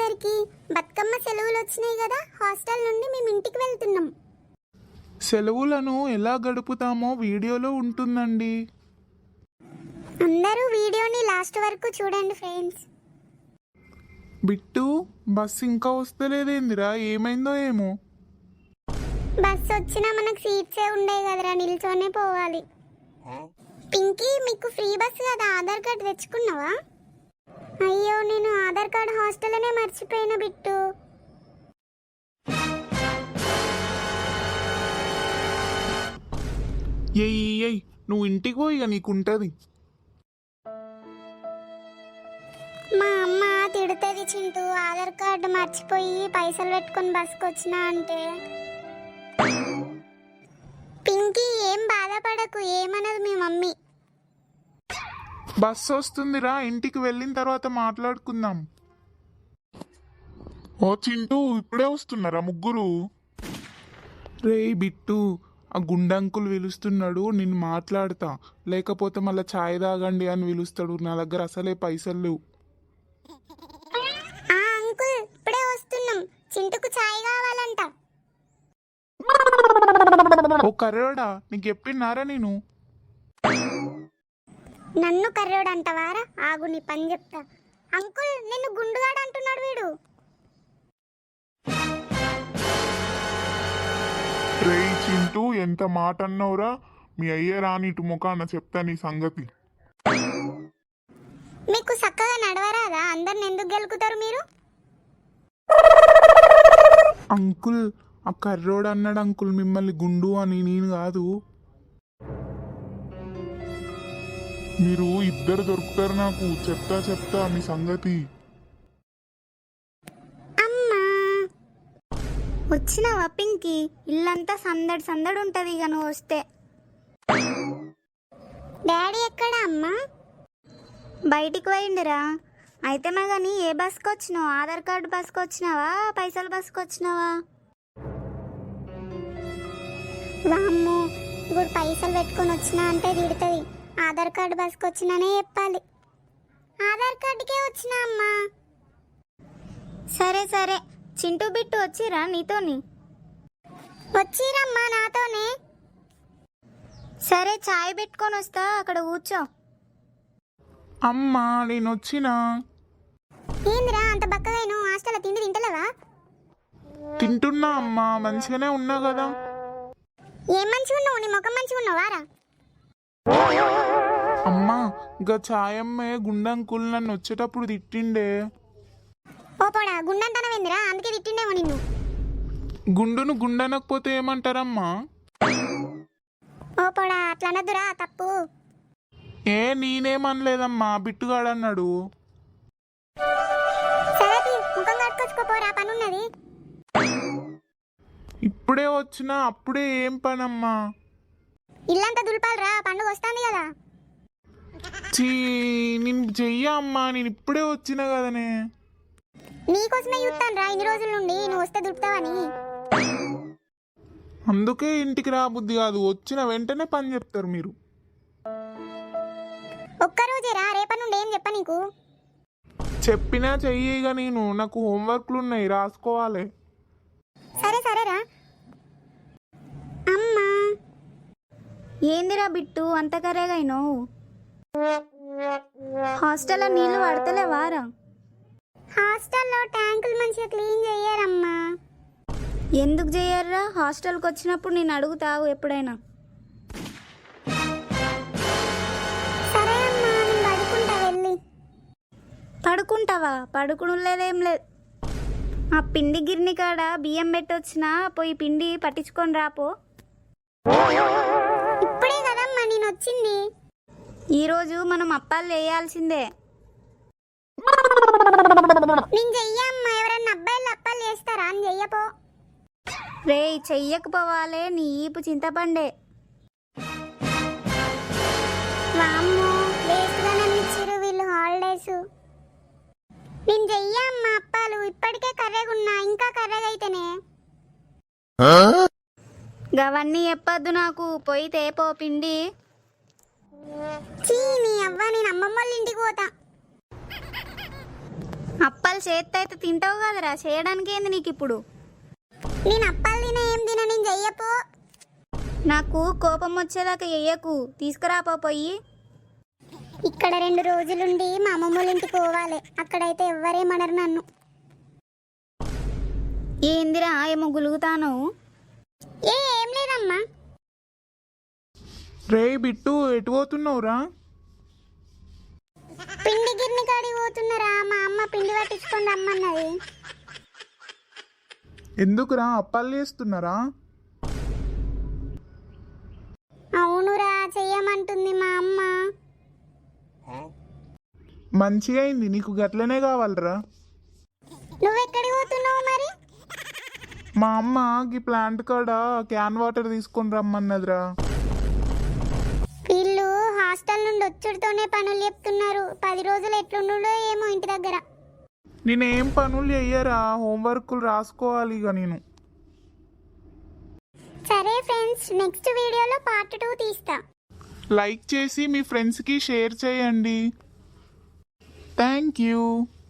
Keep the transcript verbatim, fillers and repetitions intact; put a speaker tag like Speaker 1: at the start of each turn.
Speaker 1: అందరికి బతుకమ్మ సెలవులు వచ్చినాయి కదా, హాస్టల్ నుండి మేము ఇంటికి వెళ్తున్నాం.
Speaker 2: సెలవులను ఎలా గడుపుతామో వీడియోలో ఉంటుందండి.
Speaker 1: అందరూ వీడియోని లాస్ట్ వరకు చూడండి ఫ్రెండ్స్.
Speaker 2: బిట్టు, బస్ ఇంకా వస్తలేదేందిరా, ఏమైందో ఏమో.
Speaker 1: బస్ వచ్చినా మనకు సీట్సే ఉండేవి కదరా, నిల్చొనే పోవాలి. పింకీ, మీకు ఫ్రీ బస్ కదా, ఆధార్ కార్డు తెచ్చుకున్నావా? అయ్యో, నేను ఆధార్ కార్డు హాస్టల్లోనే మర్చిపోయిన బిట్టు.
Speaker 2: ఎయ్ ఎయ్ నువ్వు ఇంటికి పోయి ఇక నీకుంటది.
Speaker 1: మా అమ్మ తిడుతుంది చింటూ, ఆధార్ కార్డు మర్చిపోయి పైసలు పెట్టుకొని బస్కి వచ్చినా అంటే. పింకీ, ఏం బాధపడకు, ఏమన్నది మీ మమ్మీ.
Speaker 2: బస్సు వస్తుందిరా, ఇంటికి వెళ్ళిన తర్వాత మాట్లాడుకుందాం. ఓ చింటూ, ఇప్పుడే వస్తున్నారా ముగ్గురు? రే బిట్టు, ఆ గుండంకులు పిలుస్తున్నాడు, నేను మాట్లాడతా, లేకపోతే మళ్ళీ ఛాయ్ తాగండి అని పిలుస్తాడు. నా దగ్గర అసలే పైసలు లేవు.
Speaker 1: ఆ అంకుల్, ఇప్పుడే వస్తున్నాం, చింటుకు ఛాయ్ కావాలంట.
Speaker 2: ఓ కర్రోడా, నీకు చెప్పినారా నేను?
Speaker 1: నన్ను కర్రోడు అంటవారా? ఆగు, నీ పని చెప్తా. అంకుల్, నిన్ను గుండుగాడు అంటున్నాడు వీడు.
Speaker 2: రే చింటూ, ఎంత మాట అన్నావురా? మీ అయ్యే రాని ఇటు ముఖాన చెప్తా నీ సంగతి.
Speaker 1: మీకు చక్కగా నడవరాదా? అందరిని ఎందుకు గెలుకుతారు మీరు?
Speaker 2: అంకుల్, ఆ కర్రోడు అన్నాడు అంకుల్ మిమ్మల్ని గుండు అని, నేను కాదు. మీరు ఇద్దరు దొరుకుతారు నాకు, చెప్తా చెప్తా మీ సంగతి.
Speaker 1: అమ్మా, వచ్చినావా పింకీ? ఇల్లంతా సందడి సందడి ఉంటుంది ఇక నువ్వు వస్తే. డాడీ ఎక్కడా అమ్మా? బయటికి పోయిండిరా. అయితే మా కానీ ఏ బస్కి వచ్చినావు? ఆధార్ కార్డు బస్కి వచ్చినావా, పైసలు బస్కి వచ్చినావా? వామ్మో, ఇప్పుడు పైసలు పెట్టుకొని వచ్చినా అంటే తిడుతుంది. ఆధార్ కార్డు బస్కి వచ్చినానే చెప్పాలి. ఆధార్ కార్డుకే వచ్చినా అమ్మా. సరే సరే, చింటూ బిట్టు వచ్చిరా నీతోని? వచ్చిరమ్మా నాతోనే. సరే, చాయ్ పెట్టుకొని వస్తా, అక్కడ కూర్చో.
Speaker 2: అమ్మా, నేను వచ్చినా.
Speaker 1: ఏందిరా అంత బక్కగా? నువ్వు హాస్టల్లో తిండి తింటలేవా?
Speaker 2: తింటున్నా అమ్మా, మంచిగానే ఉన్నా కదా.
Speaker 1: ఏం మంచిగా ఉన్నావు? నీ ముఖం మంచిగా ఉన్నావారా?
Speaker 2: అమ్మా, ఇంకా ఛాయమ్మే గుండంకుల్ నన్ను వచ్చేటప్పుడు తిట్టిండే.
Speaker 1: ఓ పోడా, గుండంతనవేందిరా? అందుకే తిట్టిండేమో నిన్ను.
Speaker 2: గుండును గుండనకపోతే ఏమంటారమ్మా?
Speaker 1: ఓ పోడా, అట్లా అనద్దురా, తప్పు.
Speaker 2: ఏ నేనేమనలేదమ్మా, బిట్టుగాడన్నాడు.
Speaker 1: సరే, ముఖం కట్టుకొచ్చుకోపోరా, పనున్నది.
Speaker 2: ఇప్పుడే వచ్చినా, అప్పుడే ఏం పనమ్మా?
Speaker 1: ఇల్లంతా దులపాలరా, పండుగ వస్తుంది కదా.
Speaker 2: చీ, నేను చెయ్యా అమ్మా, నేను ఇప్పుడే వచ్చినా కదనే.
Speaker 1: నీకోసమే చూస్తాను రా ఇన్ని రోజుల నుండి, నువ్వు వస్తే దులుపుతావని.
Speaker 2: అందుకే ఇంటికి రాబుద్ది కాదు, వచ్చిన వెంటనే పని చెప్తారు మీరు.
Speaker 1: ఒక్కరోజేరా, రేపటి నుండి ఏం చెప్ప నీకు?
Speaker 2: చెప్పినా చెయ్యిగా, నేను నాకు హోంవర్క్లు ఉన్నాయి, రాసుకోవాలి.
Speaker 1: సరే సరేరా. అమ్మా, ఏందిరా బిట్టు అంత కరేగాయినావు? హాస్టల్లో నీళ్లు పడతలేవారా? హాస్టల్లో ట్యాంకులు మంచిగా క్లీన్ చెయ్యరమ్మా. ఎందుకు చెయ్యర్రా? హాస్టల్కి వచ్చినప్పుడు నేను అడుగుతావు ఎప్పుడైనా. సరే అమ్మా, నేను పడుకుంటా వెళ్ళి. పడుకుంటావా? పడుకుని లేదేం లేదు. ఆ పిండి గిర్ని కాడ బియ్యం పెట్టొచ్చినా, పోయి పిండి పట్టించుకొని రాపో. ఇప్పుడే కదమ్మా నేను వచ్చింది. ఈరోజు మనం అప్పాలు చేయాల్సిందే. నేను చెయ్యమ్మా, ఎవరన్నా అబ్బాయిలు అప్పాలు చేస్తారా అని చెయ్యపో. రే, చెయ్యకపోవాలే, నీ ఈపు చింతపండే. వామ్మో, వేస్ట్గా నన్ను ఇచ్చిరు వీళ్ళు హాలిడేస్. నేను చెయ్యమ్మా అప్పాలు, ఇప్పటికే కర్రెగున్నా, ఇంకా కర్రెగైతేనే. గవన్నీ చెప్పొద్దు నాకు, పోయి తేపో పిండి. చీ, నీ అవ్వ, నేను అమ్మమ్మ వాళ్ళ ఇంటికి పోతా.
Speaker 3: అప్పాలు చేత్తో అయితే తింటావు కదరా, చేయడానికి ఏంది నీకు ఇప్పుడు?
Speaker 1: నేను అప్పాలు తిన ఏం తిన, నేను చెయ్యపో.
Speaker 3: నాకు కోపం వచ్చేదాకా చెయ్యకు, తీసుకురాపో పోయి.
Speaker 1: ఇక్కడ రెండు రోజులుండి మా అమ్మమ్మల ఇంటికి పోవాలి, అక్కడైతే ఎవ్వరేమనరు నన్ను.
Speaker 3: ఏందిరా ఏమో గులుగుతాను?
Speaker 1: ఏ ఏం లేదమ్మా.
Speaker 2: రే బిట్టు ఎటు పోతున్నావురా?
Speaker 1: పిండి గిర్ని కాడికి పోతున్నారా, మా అమ్మ పిండి పట్టించుకొని రమ్మన్నది.
Speaker 2: ఎందుకురా అప్పాలు చేస్తున్నారా?
Speaker 1: అవునురా, చెయ్యమంటుంది మా అమ్మ.
Speaker 2: మంచిగా అయింది, నీకు గట్లనే కావాలరా.
Speaker 1: నువ్వెక్కడికి పోతున్నావు మరి?
Speaker 2: మా అమ్మ ఈ ప్లాంట్ కాడ క్యాన్ వాటర్ తీసుకొని రమ్మన్నదిరా.
Speaker 1: వీళ్ళు హాస్టల్ నుండి వచ్చుడితోనే పనులు చెప్తున్నారు. పది రోజులు ఎట్లుండో ఏమో ఇంటి దగ్గర.
Speaker 2: నేనేం పనులు చెయ్యరా, హోంవర్కులు రాసుకోవాలి ఇక నేను.
Speaker 1: సరే ఫ్రెండ్స్, నెక్స్ట్ వీడియోలో పార్ట్ టూ తీస్తా.
Speaker 2: లైక్ చేసి మీ ఫ్రెండ్స్కి షేర్ చేయండి. Thank you.